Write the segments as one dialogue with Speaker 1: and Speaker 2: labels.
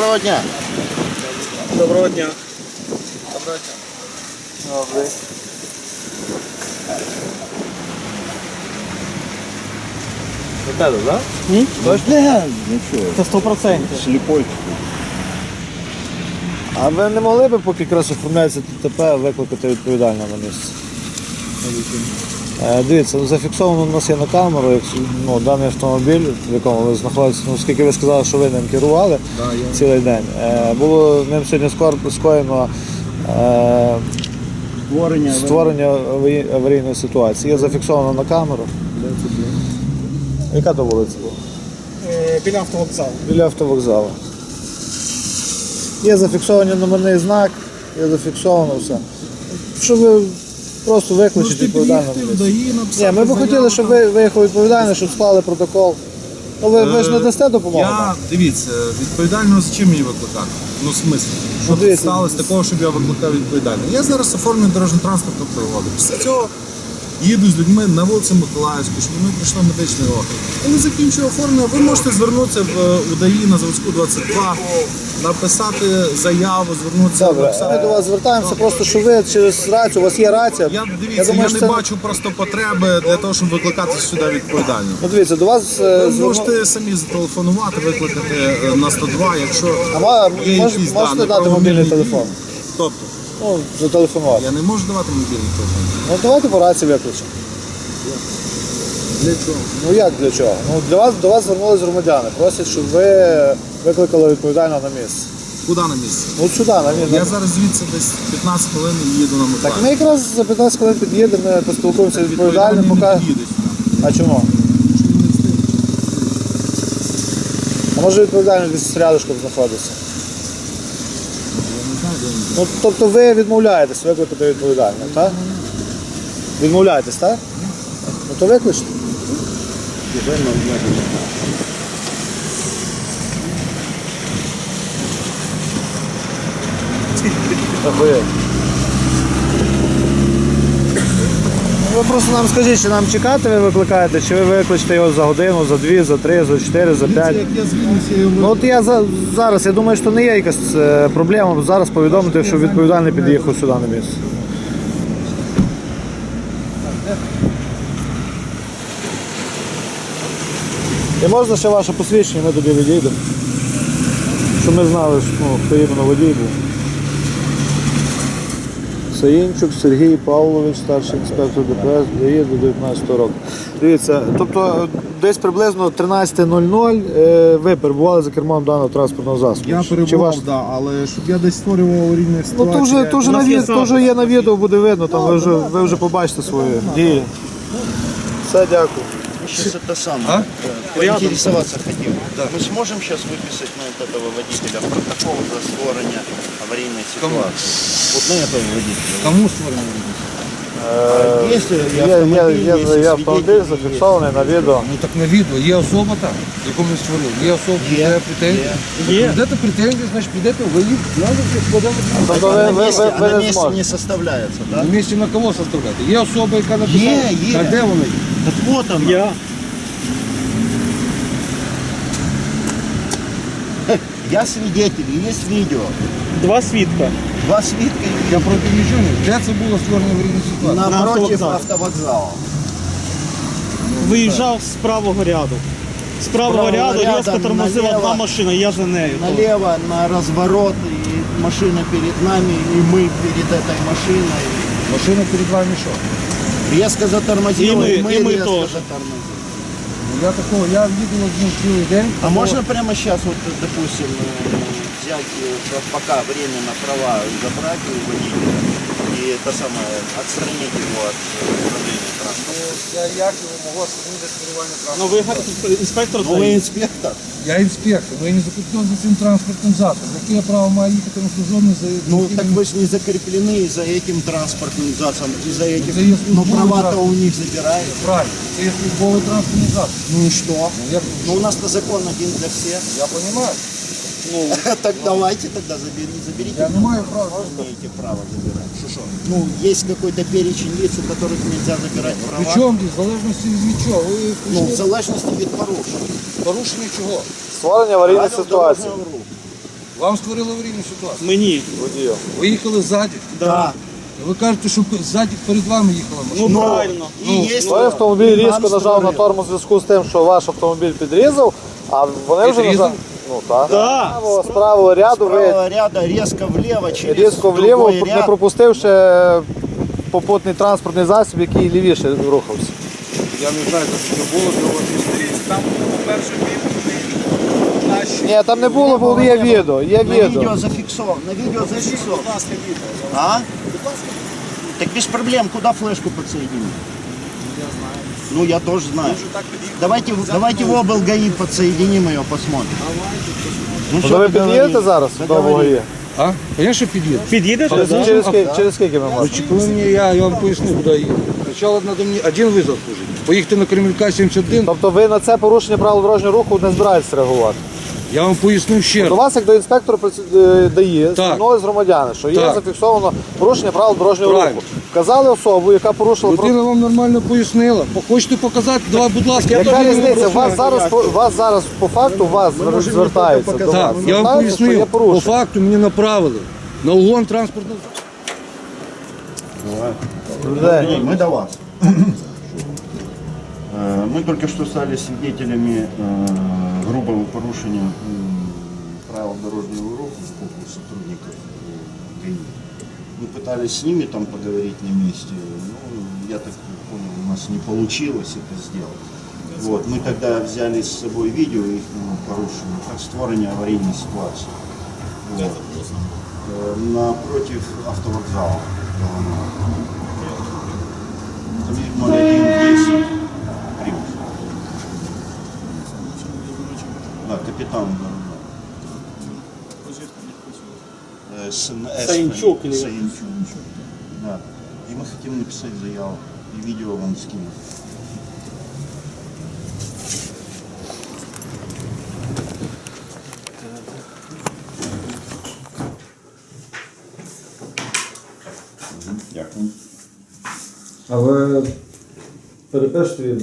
Speaker 1: Доброго дня.
Speaker 2: Доброго дня.
Speaker 1: Доброго дня.
Speaker 2: Добрий. Тебе, так?
Speaker 1: Ні? Точно? Нічого.
Speaker 2: Це 100%.
Speaker 1: Сліпой.
Speaker 2: А ви не могли б, поки якраз оформляється ТТП, викликати відповідального на місце? Дивіться, зафіксовано у нас є на камеру, даний автомобіль, в якому ви знаходитесь, оскільки ви сказали, що ви ним керували цілий день. Було ним сьогодні скоєно створення аварійної ситуації. Є зафіксовано на камеру. Яка то вулиця була?
Speaker 3: Біля автовокзалу.
Speaker 2: Біля автовокзалу. Є зафіксований номерний знак, є зафіксовано все. Щоб ви просто викличете відповідального. Ні, ми б хотіли, щоб ви виїхали відповідально, щоб склали протокол. Ну, ви ж не дасте допомогу?
Speaker 4: Дивіться, відповідально за чим мені викликати? Ну, в смислі, що тут сталося такого, щоб я викликав відповідально. Я зараз оформлю дорожньо-транспортну пригоду. Після цього їду з людьми на вулицю Миколаївську, щоб вони пройшли медичний огляд. Коли закінчую оформлення, ви можете звернутися в УДАІ на Заводську 22, написати заяву, звернутися.
Speaker 2: Добре, ми до вас звертаємося, просто що ви через рацію, у вас є рація.
Speaker 4: Дивіться, я не бачу просто потреби для того, щоб викликати сюди відповідально.
Speaker 2: Ну, дивіться, до вас...
Speaker 4: Ви можете самі зателефонувати, викликати на 102, якщо є якісь
Speaker 2: можете дати мобільний телефон?
Speaker 4: Тобто?
Speaker 2: Ну, зателефонувати.
Speaker 4: Я не можу давати мобільний телефон.
Speaker 2: Ну, давайте по рації виключимо.
Speaker 4: Для чого?
Speaker 2: Ну, як для чого? Ну, до вас звернулись громадяни, просять, щоб ви викликали відповідально на місце.
Speaker 4: Куди на місце?
Speaker 2: Ну, сюди, на місце.
Speaker 4: Я зараз звідси десь 15 хвилин їду на Миколаїв.
Speaker 2: Так ми якраз за 15 хвилин під'їдемо, ми поспілкуємося відповідально,
Speaker 4: не
Speaker 2: поки...
Speaker 4: під'їдеш.
Speaker 2: А чому? А може відповідально десь рядышком знаходиться? Ну, тобто ви відмовляєтесь викликати відповідально, так? Відмовляєтесь, так? Ну то викличте. Ви просто нам скажіть, чи нам чекати ви викликаєте, чи ви викличете його за годину, за 2, за 3, за 4, за 5. Ну от я зараз, я думаю, що не є якась проблема зараз повідомити, що відповідальний під'їхав сюди на місце. І можна ще ваше посвідчення, ми тобі відійдемо. Щоб ми знали, хто іменно водій був. Саїнчук Сергій Павлович, старший інспектор ДПС, дає до 19 року. Дивіться, тобто десь приблизно 13:00 ви перебували за кермом даного транспортного засобу.
Speaker 3: Я перебував, так, але щоб я десь створював аварійні ситуації.
Speaker 2: Ну, то вже є на відео, буде видно, там ви вже побачите свої дії. Все, дякую.
Speaker 1: Сейчас это самое. Поинтересоваться хотел. Мы сможем сейчас выписать на этого водителя протокол за створение аварийной ситуации? Вот на этого водителя.
Speaker 4: Кому створено?
Speaker 1: Если
Speaker 2: Є автомобіль зафіксований на відео.
Speaker 4: Ну так на відео. Є особа там, яку ми створили. Є особа, де претензії. Підете претензії, значить підете, ви їх
Speaker 2: Тобто
Speaker 1: на
Speaker 2: ви
Speaker 1: месте
Speaker 2: не зможете.
Speaker 1: не составляется, да?
Speaker 4: на місці на кого составляти? Є особа, яка написала.
Speaker 1: Є.
Speaker 4: Так де вона є?
Speaker 1: Так вот он. Я свидетель, есть видео.
Speaker 3: Два свідка.
Speaker 1: Два свидка и
Speaker 4: Я проти нічого не. Де це було створено аварійна ситуація?
Speaker 1: напротив
Speaker 3: автовокзал.
Speaker 1: автовокзала.
Speaker 3: Виїжджав з правого ряду. З правого ряду
Speaker 1: ряду
Speaker 3: різко тормозила
Speaker 1: наліво.
Speaker 3: одна машина, я за нею.
Speaker 1: Налево на разворот, и машина перед нами, и мы перед этой машиной.
Speaker 4: Машина перед вами що?
Speaker 1: Резко затормозила,
Speaker 3: И мы
Speaker 1: резко
Speaker 3: тоже.
Speaker 1: затормозили.
Speaker 4: Я такого, я їду з ним цілий день.
Speaker 1: А можно прямо сейчас, вот, допустим, взять, пока время на права забрать у водителя и это самое, отстранить его от управления транспортом?
Speaker 4: Як його могло зупинити керування
Speaker 3: Ну ви інспектор
Speaker 1: Ну, вы
Speaker 3: ДАІ.
Speaker 1: инспектор.
Speaker 4: Я інспектор, але я не закріплен за цим транспортним засобом. Яке я право маю їхати на службовне за...
Speaker 1: Ну, так вы же не закреплены за этим транспортным засобом, и за этим,
Speaker 4: Это если
Speaker 1: но
Speaker 4: будет
Speaker 1: права-то
Speaker 4: транспорт.
Speaker 1: у них забирают.
Speaker 4: Правильно, це є службовий транспортний засоб.
Speaker 1: Ну и что?
Speaker 4: Як...
Speaker 1: Ну, у нас-то закон один для всех.
Speaker 4: Я розумію.
Speaker 1: Так давайте тогда заберите.
Speaker 4: Я не маю права.
Speaker 1: Имеете право забирать. Что? Ну, есть какой-то перечень лиц, у которых нельзя забирать права.
Speaker 4: Причому, в залежності від чого? Ви
Speaker 1: Ну, в
Speaker 4: прийшли
Speaker 1: залежності від порушень.
Speaker 4: порушення чого?
Speaker 2: Створення аварійної
Speaker 1: Правил
Speaker 2: ситуації.
Speaker 1: дорожнього руху.
Speaker 5: Вам створили аварійну ситуацію.
Speaker 6: Мені.
Speaker 2: Водію.
Speaker 5: Ви їхали ззаді.
Speaker 6: Да.
Speaker 5: Ви кажете, що ззаді перед вами їхала машина.
Speaker 6: Ну правильно.
Speaker 1: И есть
Speaker 2: Той автомобіль
Speaker 1: нам
Speaker 2: різко нажав на
Speaker 1: створили.
Speaker 2: тормоз у зв'язку з тим, що ваш автомобіль підрізав, а вони вже
Speaker 5: Підрізав?
Speaker 2: нажали. Ну так.
Speaker 6: Да.
Speaker 2: З правого ряду ви
Speaker 1: Правого ряда резко влево через
Speaker 2: різко вліво,
Speaker 1: другой
Speaker 2: не
Speaker 1: ряд.
Speaker 2: пропустивши попутний транспортний засіб, який лівіше рухався.
Speaker 5: Я не знаю, що це було, для вас історії.
Speaker 6: Там, по-перше, наші.
Speaker 2: Ні, там не було, бо є відео, є
Speaker 1: На
Speaker 2: відео.
Speaker 1: видео зафиксовано. На видео зафиксовано. А? Так без проблем. Куда флешку подсоединить? Ну, я тоже знаю. Давайте в обл. ГАИ подсоединим ее, посмотрим. Ну,
Speaker 2: То ви під'їдете зараз до ВГАІ?
Speaker 5: А? Звісно, під'їду.
Speaker 6: Під'їдете?
Speaker 2: Через скільки ми можемо?
Speaker 5: Коли мені, я вам поясню, куди їхати. Спочатку треба мені один визов служити. Поїхати на Кремлька 71,
Speaker 2: Тобто ви на це порушення правил дорожнього руху не збираєтесь реагувати?
Speaker 5: я вам поясню ще
Speaker 2: До
Speaker 5: раз.
Speaker 2: вас, як до інспектора дає, звернулись громадяни, що є
Speaker 5: Так.
Speaker 2: зафіксовано порушення правил дорожнього
Speaker 5: Правильно.
Speaker 2: руху. Вказали особу, яка порушила
Speaker 5: Людина вам нормально пояснила. Хочете показати? Давай, будь ласка, я
Speaker 2: Яка
Speaker 5: теж не
Speaker 2: різниця?
Speaker 5: прошу.
Speaker 2: Вас зараз по факту звертаються до вас.
Speaker 5: Так, я вам
Speaker 2: Звертаються, що
Speaker 5: пояснив.
Speaker 2: є
Speaker 5: По
Speaker 2: порушення.
Speaker 5: факту мені направили на угон транспортного.
Speaker 1: Мы до вас. Мы только что стали свидетелями грубого порушения правил дорожного руха с боку сотрудников ГАИ. Мы пытались с ними там поговорить на месте, но я так понял, у нас не получилось это сделать. Вот, мы тогда взяли с собой видео их порушения, как створение аварийной ситуации. Вот. Напротив автовокзала. Там 0110 Примус. Да, капитан.
Speaker 6: Саинчук или-
Speaker 1: Саинчук. Да. И мы хотим написать заяву. И видео вам скинуть. Дякую.
Speaker 2: А ви перепишете відео?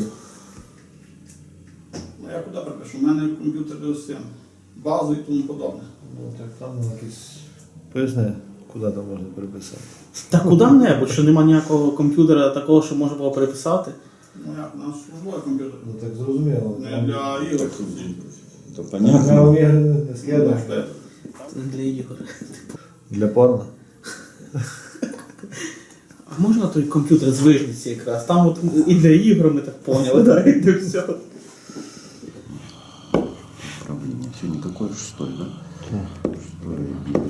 Speaker 7: Ну, я куди припишу? У мене комп'ютер з цим, базу і тому подобне.
Speaker 2: Ну так там якісь. Поясни, куди там можна переписати.
Speaker 6: Та куди-небудь, що нема ніякого комп'ютера такого, що можна було переписати.
Speaker 7: Ну як, у нас службовий комп'ютер.
Speaker 2: Ну так зрозуміло.
Speaker 7: Не для ігор.
Speaker 1: То
Speaker 2: Я
Speaker 1: понятно.
Speaker 2: вам ігри не скидаю.
Speaker 6: Це не для ігор.
Speaker 2: Для порно.
Speaker 6: А можна той комп'ютер з вижниці якраз? Там от і для ігор ми так поняли, да, і для всього.
Speaker 1: Правда, нет, сегодня какой 6, да? 6 июля.